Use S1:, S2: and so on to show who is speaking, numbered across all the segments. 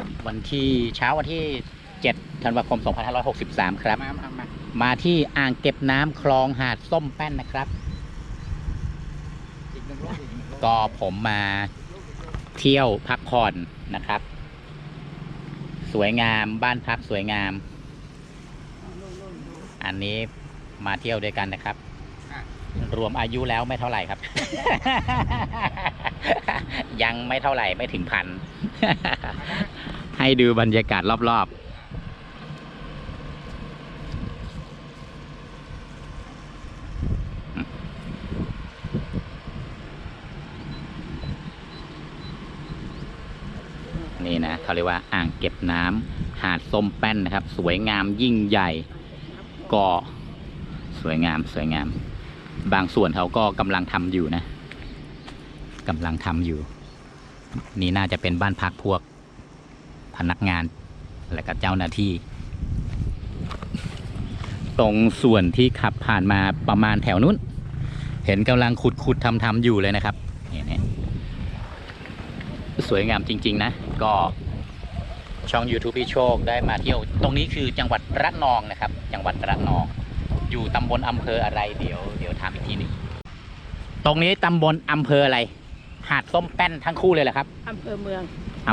S1: วันที่เช้าวันที่7ธันวาคม2563ครับมาที่อ่างเก็บน้ำคลองหาดส้มแป้นนะครับก็ผมมาเที่ยวพักผ่อนนะครับสวยงามบ้านพักสวยงามอันนี้มาเที่ยวด้วยกันนะครับรวมอายุแล้วไม่เท่าไหร่ครับ ยังไม่เท่าไหร่ไม่ถึงพัน ให้ดูบรรยากาศรอบๆนี่นะเขาเรียกว่าอ่างเก็บน้ำหาดส้มแป้นนะครับสวยงามยิ่งใหญ่ก็สวยงามบางส่วนเขาก็กำลังทำอยู่นะกำลังทำอยู่นี่น่าจะเป็นบ้านพักพวกพนักงานและก็เจ้าหน้าที่ตรงส่วนที่ขับผ่านมาประมาณแถวนู้นเห็นกำลังขุดทำอยู่เลยนะครับนี่สวยงามจริงๆนะก็ช่อง YouTube พี่โชคได้มาเที่ยวตรงนี้คือจังหวัดระนองนะครับจังหวัดระนองอยู่ตำบลอำเภออะไรเดี๋ยวถามอีกทีนึงตรงนี้ตำบลอำเภออะไรหาดส้มแป้นทั้งคู่เลยเหรอครับ
S2: อำเภอเมือง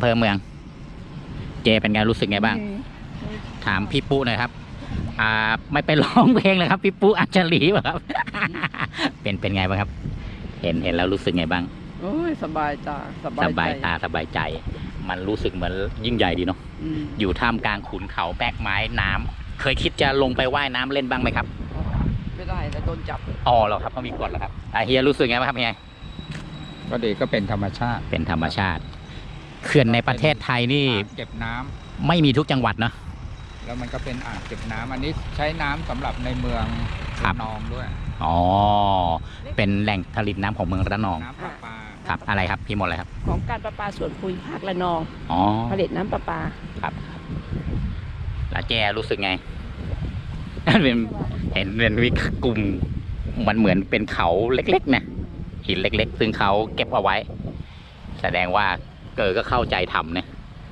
S1: เจเป็นไงรู้สึกไงบ้างถามพี่ปุ๊หน่อยครับไม่ไปร้องเพลงเลยครับพี่ปุ๊อัญชลีป่ะครับ เป็นไงบ้างครับเห็นแล้วรู้สึกไงบ้าง
S2: โอ้ยสบายตาสบ
S1: ายใจมันรู้สึกเหมือนยิ่งใหญ่ดีเนาะอยู่ท่ามกลางขุนเขาแปกไม้น้ำเคยคิดจะลงไปว่ายน้ำเล่นบ้างไหมครับ
S2: ไม่ได้แต่โดนจับ
S1: เหรอครับเขามีกฎเหรอครับเฮียรู้สึกไงบ้างครับเฮีย
S3: ก็ดีก็เป็นธรรมชาติ
S1: เขื่อนในประเทศไทยนี่
S3: เก็บน้ำ
S1: ไม่มีทุกจังหวัดเนาะ
S3: แล้วมันก็เป็นอ่างเก็บน้ำอันนี้ใช้น้ำสำหรับในเมืองระนองด้วย
S1: เป็นแหล่งผลิตน้ำของเมืองระนอง
S3: น้ำประปา
S1: ครับอะไรครับพี่หมดเลยครับ
S2: ของการประปาส่วนภูมิภาคระนองผลิตน้ำประปา
S1: ครับแล้วแจรู้สึกไง เห็นเป็นวิกลุ่มมันเหมือนเป็นเขาเล็กๆนะหินเล็กๆซึ่งเขาเก็บเอาไว้แสดงว่าก็เข้าใจทำนะ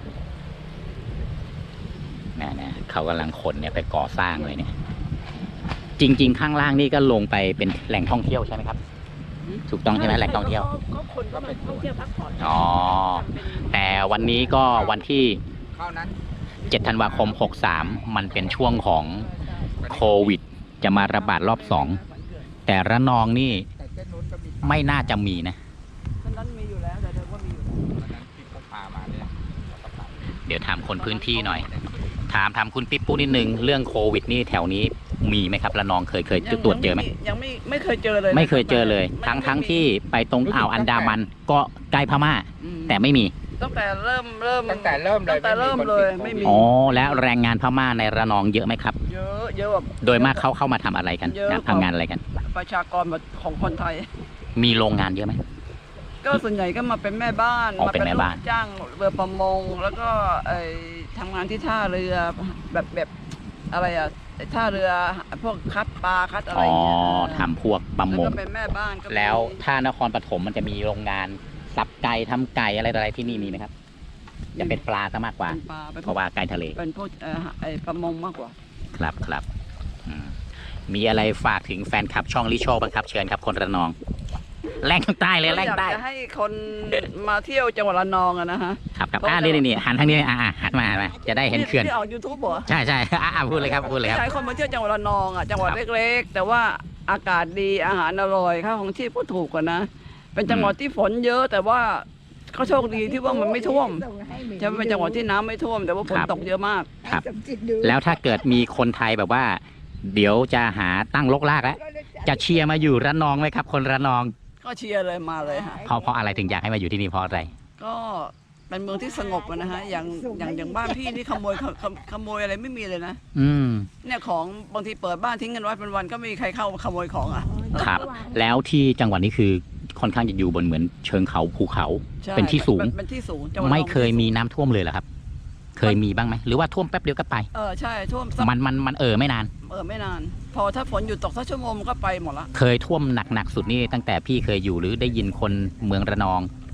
S1: เขากำลังขนเนี่ยไปก่อสร้างเลยเนี่ยจริงๆข้างล่างนี่ก็ลงไปเป็นแหล่งท่องเที่ยวใช่ไหมครับถูกต้องใช่ไหมแหล่งท่องเที่ยว
S2: ก็คนก็ไปท่องเที่ยวพักผ่อน
S1: แต่วันนี้ก็วันที่7ธันวาคม63มันเป็นช่วงของโควิดจะมาระบาดรอบ2แต่ระนองนี่ไม่น่าจะมีนะ
S2: นั้นมีอยู่แล้วแต่เดิมว่ามีอยู่
S1: เดี๋ยวถามคนพื้นที่หน่อยถามคุณปิ๊ปปุ๊นิดนึงเรื่องโควิดนี่แถวนี้มีไหมครับระนองเคยตรวจเจอไหม
S2: ยังไม่เคยเจอเลย
S1: ไม่เคยเจอเลยทั้งที่ไปตรงอ่าวอันดามันก็ใกล้พม่าแต่ไม่มี
S2: ตั้งแต่เริ่มเลยไม่มี
S1: แล้วแรงงานพม่าในระนองเยอะไหมครับ
S2: เยอะแบบ
S1: โดยมากเข้ามาทำอะไรกันทำงานอะไรกัน
S2: ประชากรของคนไทย
S1: มีโรงงานเยอะไหม
S2: ก็ส่วนใหญ่ก็มาเป็นแม่บ้าน
S1: มาเป็นลูก
S2: จ้างเรือประมงแล้วก็ทำงานที่ท่าเรือแบบอะไรท่าเรือพวกคัดปลาคัดอะไร
S1: ทำพวกประมง
S2: เป็นแม่บ้าน
S1: แล้วท่านครปฐมมันจะมีโรงงานสับไก่ทำไก่อะไรที่นี่มีไหมครับจะเป็นปลาซะมากกว่าเพราะว่าไก่ทะเล
S2: เป็นพวกประมงมากกว่า
S1: ครับมีอะไรฝากถึงแฟนคลับช่องลิโชบ้างครับเชิญครับคนระนองแรงใต้เลยแรงใต้
S2: จะให้คนมาเที่ยวจังหวัดระนองนะฮะ
S1: ครับนี่หันทางนี้หันมาจะได้เห็นเขื่อน
S2: ที่ออก YouTube เหรอ
S1: ใช่พูดเลยครับ
S2: ใช้คนมาเที่ยวจังหวัดระนองจังหวัดเล็กๆแต่ว่าอากาศดีอาหารอร่อยค่าของชีพก็ถูกกว่านะเป็นจังหวัดที่ฝนเยอะแต่ว่าเขาโชคดีที่ว่ามันไม่ท่วมจะเป็นจังหวัดที่น้ำไม่ท่วมแต่ว่าฝนตกเยอะมาก
S1: ครับแล้วถ้าเกิดมีคนไทยแบบว่าเดี๋ยวจะหาตั้งลกลากแล้วจะเชียร์มาอยู่ระนองไหมครับคนระนอง
S2: ก็เชียร์เลยมาเลยฮะ
S1: เพราะอะไรถึงอยากให้มาอยู่ที่นี่เพราะอะไร
S2: ก็เป็นเมืองที่สงบนะฮะอย่างบ้านพี่นี่ขโมยอะไรไม่มีเลยนะเนี่ยของบางทีเปิดบ้านทิ้งกันไว้เป็นวันก็ไม่มีใครเข้าขโมยของ
S1: ครับแล้วที่จังหวัดนี้คือค่อนข้างจะอยู่บนเหมือนเชิงเขาภูเขาเป็นที่สูงไม่เคยมีน้ำท่วมเลยเหรอครับเคยมีบ้างไหมหรือว่าท่วมแป๊บเดียวก็ไป
S2: ใช่ท่วม
S1: มันไม่นาน
S2: ไม่นานพอถ้าฝนหยุดตกสักชั่วโมงก็ไปหมดละ
S1: เคยท่วมหนักสุดนี่ตั้งแต่พี่เคยอยู่หรือได้ยินคนเมืองระนอง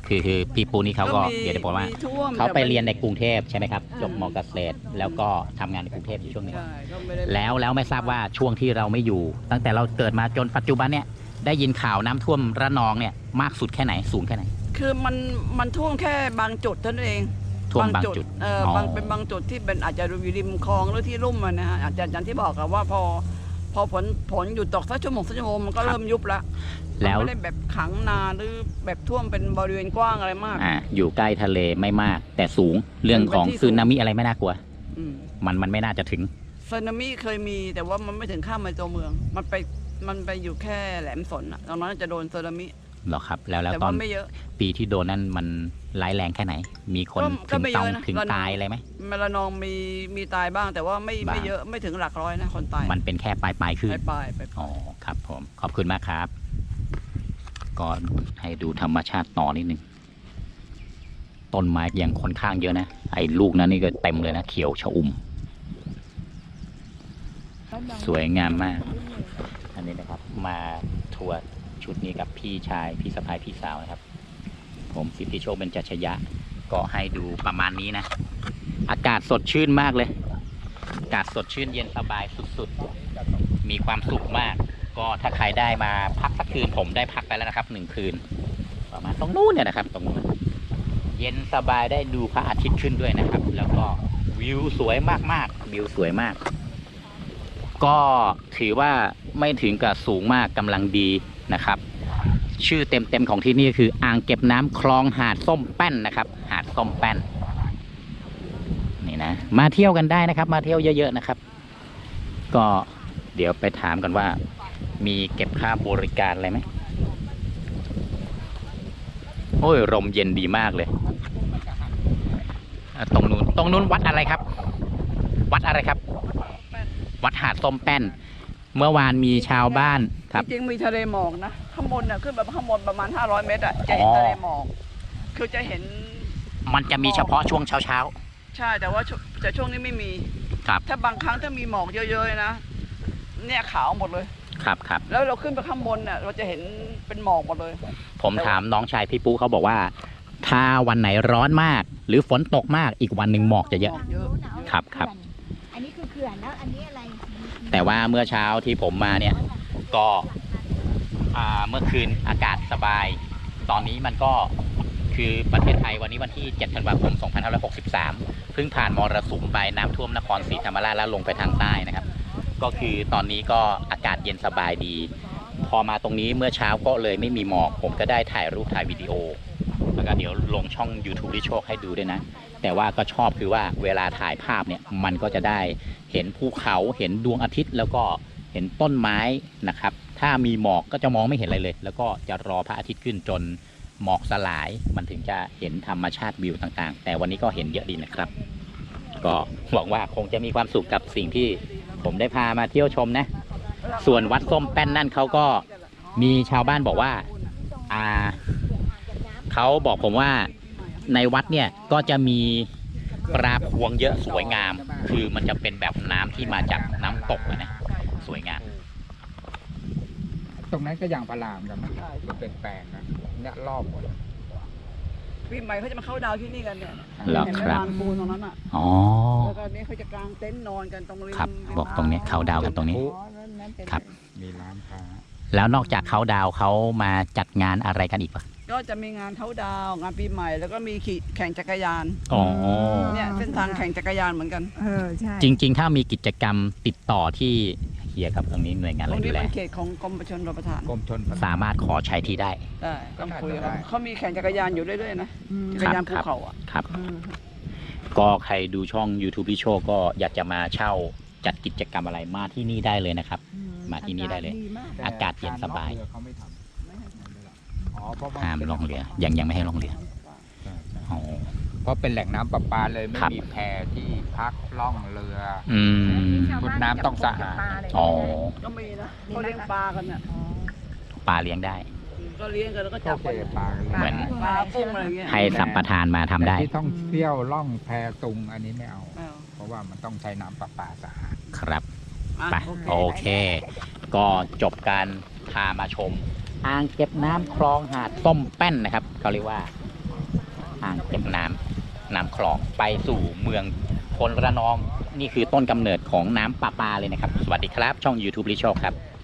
S1: คือพี่ปูนี่เขาก็เดี๋ยวจะบอกว่า
S2: ท่วม
S1: เขาไป
S2: แต่
S1: เรียนในกรุงเทพใช่ไหมครับจบมเกษตรแล้วก็ทำงานในกรุงเทพอยู่ช่วงหนึง
S2: ใช่ก็ไม่ได้
S1: แล้วไม่ทราบว่าช่วงที่เราไม่อยู่ ตั้งแต่เราเกิดมาจนปัจจุบันเนี่ยได้ยินข่าวน้ำท่วมระนองเนี่ยมากสุดแค่ไหนสูงแค่ไหน
S2: คือมันท่วมแค่บางจุดเท่านั้นเอง
S1: ท่วมบางจุด
S2: บางเป็นบางจุดที่เป็นอาจจะอยู่ริมคลองหรือที่ลุ่มอะนะฮะอาจจะอย่างที่บอกอะว่าพอฝนหยุดตกสักชั่วโมงมันก็เริ่มยุบละ
S1: แล้ว
S2: ไม่ได้แบบขังนานหรือแบบท่วมเป็นบริเวณกว้างอะไรมาก
S1: อยู่ใกล้ทะเลไม่มาก แต่สูงเรื่องของ
S2: เป็นที่
S1: สึนามิอะไรไม่น่ากลัว
S2: อืม
S1: มันไม่น่าจะถึง
S2: สึนามิเคยมีแต่ว่ามันไม่ถึงข้ามมาตัวเมือง มันไปอยู่แค่แหลมสนอะตอนนั้นจะโดนสึนามิ
S1: หรอครับ แล้ว
S2: แต่
S1: ตอ
S2: ว่าน ไม่เยอะ
S1: ปีที่โดนนั่นมันร้ายแรงแค่ไหน มีคน
S2: ก็
S1: ถึง
S2: ไม่เยอะนะ
S1: ถึง
S2: ระนอง
S1: ตายอะไรไหม
S2: ระนองมีตายบ้างแต่ว่าไม่
S1: บ้าง
S2: เยอะไม่ถึงหลักร้อยนะคนตาย
S1: มันเป็นแค่ปลายขึ้น
S2: ไป
S1: อ๋อครับผมขอบคุณมากครับก็ให้ดูธรรมชาติต่อนิดนึงต้นไม้ยังค่อนข้างเยอะนะไอ้ลูกนั้นนี่ก็เต็มเลยนะเขียวชอุ่ม สวยงามมาก อันนี้นะครับ มาทัวร์ชุดนี้กับพี่ชายพี่สะพ้ายพี่สาวนะครับ ผมสิทธิโชคเบญจชยะก็ให้ดูประมาณนี้นะ อากาศสดชื่นมากเลย อากาศสดชื่นเย็นสบายสุดๆ มีความสุขมาก ก็ถ้าใครได้มาพักสักคืนผมได้พักไปแล้วนะครับ1 คืน ประมาณตรงนู้นเนี่ยนะครับ ตรงนู้นเย็นสบายได้ดูพระอาทิตย์ขึ้นด้วยนะครับ แล้วก็วิวสวยมากๆวิวสวยมาก ก็ถือว่าไม่ถึงกับสูงมากกำลังดีนะครับ ชื่อเต็มๆของที่นี่คืออ่างเก็บน้ำคลองหาดส้มแป้นนะครับ หาดส้มแป้นนี่นะมาเที่ยวกันได้นะครับ มาเที่ยวเยอะๆนะครับ ก็เดี๋ยวไปถามกันว่า มีเก็บค่าบริการอะไรไหมโอ้ยลมเย็นดีมากเลยตรงนู้นวัดอะไรครับ วัดอะไรครับ วัดหาดส้มแป้น เมื่อวานมีชาวบ้านครับ
S2: จริงๆมีทะเลหมอกนะข้างบนน่ะขึ้นแบบข้างบนประมาณ500 เมตรอะจะเห็นทะเลหมอกคือจะเห็น
S1: มันจะมีเฉพาะช่วงเช้า
S2: ใช่แต่ว่าช่วงนี้ไม่มี
S1: ครับ
S2: ถ้าบางครั้งถ้ามีหมอกเยอะๆนะเนี่ยขาวหมดเลย
S1: ๆครับครับ
S2: แล้วเราขึ้นไปข้างบนน่ะเราจะเห็นเป็นหมอกหมดเลย
S1: ผมถามน้องชายพี่ปูเขาบอกว่า ถ้าวันไหนร้อนมาก หรือฝนตกมากอีกวันหนึ่งหมอกจะเยอะ
S2: หมอกเยอะ
S1: ครับครับ
S4: อันนี้คือเขื่อนแล้วอันนี้อะไร
S1: แต่ว่าเมื่อเช้าที่ผมมาเนี่ยก็เมื่อคืนอากาศสบาย ตอนนี้มันก็คือประเทศไทยวันนี้วันที่ 7 ธันวาคม 2563 เพิ่งผ่านมรสุมไปน้ำท่วมนครศรีธรรมราชแล้วลงไปทางใต้นะครับ ก็คือตอนนี้ก็อากาศเย็นสบายดี พอมาตรงนี้เมื่อเช้าก็เลยไม่มีหมอก ผมก็ได้ถ่ายรูปถ่ายวิดีโอ แล้วก็เดี๋ยวลงช่อง YouTube ที่โชคให้ดูด้วยนะ แต่ว่าก็ชอบคือว่าเวลาถ่ายภาพเนี่ยมันก็จะได้เห็นภูเขาเห็นดวงอาทิตย์ แล้วก็เห็นต้นไม้นะครับ ถ้ามีหมอกก็จะมองไม่เห็นอะไรเลย แล้วก็จะรอพระอาทิตย์ขึ้นจนหมอกสลาย มันถึงจะเห็นธรรมชาติวิวต่างๆ แต่วันนี้ก็เห็นเยอะดีนะครับ ก็หวังว่าคงจะมีความสุขกับสิ่งที่ผมได้พามาเที่ยวชมนะ ส่วนวัดส้มแป้นนั่นเขาก็มีชาวบ้านบอกว่าเขาบอกผมว่าในวัดเนี่ยก็จะมีปลาพวงเยอะสวยงาม คือมันจะเป็นแบบน้ำที่มาจากน้ำตกนะสวยงาม
S3: ตรงนั้นก็อย่างประหลาดกันนะมันเป็นแปลงนะเนี่ยรอบหมดเลย
S2: ปีใหม่เขาจะมาเข้าดาวที่นี่กันเนี่ย
S1: เหรอ
S2: เห็นไหม
S1: ครับ
S2: ลานปูนตรงนั้นอ่ะ
S1: อ๋อ
S2: แล้วก็เนี่ยเขาจะกางเต็นท์นอนกันตรงริม
S1: ครับ
S2: ริม
S1: บอกตรงนี้เขาดาวกันตรงนี้ ครับ
S3: มีร้านค้า
S1: แล้วนอกจากเขาดาวเขามาจัดงานอะไรกันอีกปะ
S2: ก็จะมีงานเขาดาวงานปีใหม่แล้วก็มีแข่งจักรยาน
S1: อ๋อ
S2: เนี่ยเส้นทางแข่งจักรยานเหมือนกัน
S4: ใช่
S1: จริงๆ ถ้ามีกิจกรรมติดต่อที่เฮียครับตรงนี้หน่วยงาน
S2: ต
S1: อะ
S2: ร
S1: ไรง ดู
S2: นี้
S1: แล
S2: เป็นเขตของกรมชลประทาน
S3: กรมชนประทาน
S1: สามารถขอใช้ที่ได้
S2: ได้ต้องคุยกับ
S3: ได้
S2: เขามีแข่งจักรยานอยู่เรื่อยๆนะจักรยานภูเขาอ่ะ
S1: ครับ ก็ใครดูช่อง YouTube พี่โชคก็อยากจะมาเช่าจัดกิจกรรมอะไรมาที่นี่ได้เลยนะครับ มาที่นี่ได้เลย
S3: แต่
S1: อากาศเย็นสบาย
S3: กเรือเขาไม่ทำอ๋อเพราะว่า
S1: ห้ามล่องเรือยังไม่ให้ล่องเรือ
S3: ใช่
S1: อ๋อ
S3: เพราะเป็นแหล่งน้ำประปาเลยไม่
S1: ครับ
S3: มีแพที่พักล่องเรือ
S1: อืม
S3: ชุดน้ำต้องสะอาด
S1: อ๋อ
S2: ก็มีนะเขาเลี้ยงปลากันน่ะ
S1: ปลาเลี้ยงได้
S2: ก็เลี้ยงกันแล้วก็
S3: ก็
S2: จับ
S3: เจ
S2: กัน
S3: อปลากัน
S1: เหมือน
S2: ปลาปุ้งอะไรอย่างเงี้ย
S1: ให้สัมปทานมาทำได้
S3: แต่ที่ท่องเที่ยวล่องแพตุงอันนี้ไม่เอา
S2: อ้าว
S3: เพราะว่ามันต้องใช้น้ำประปาสะอาด
S1: ครับ
S2: อ่ะ
S1: ไปโอเค ก็จบการพามาชม อ่างเก็บน้ำคลองหาดส้มแป้นนะครับเขาเรียกว่าอ่างเก็บน้ำคลองไปสู่เมืองพลระนองนี่คือต้นกำเนิดของน้ำประปาเลยนะครับสวัสดีครับช่อง YouTube ลิโชคครับ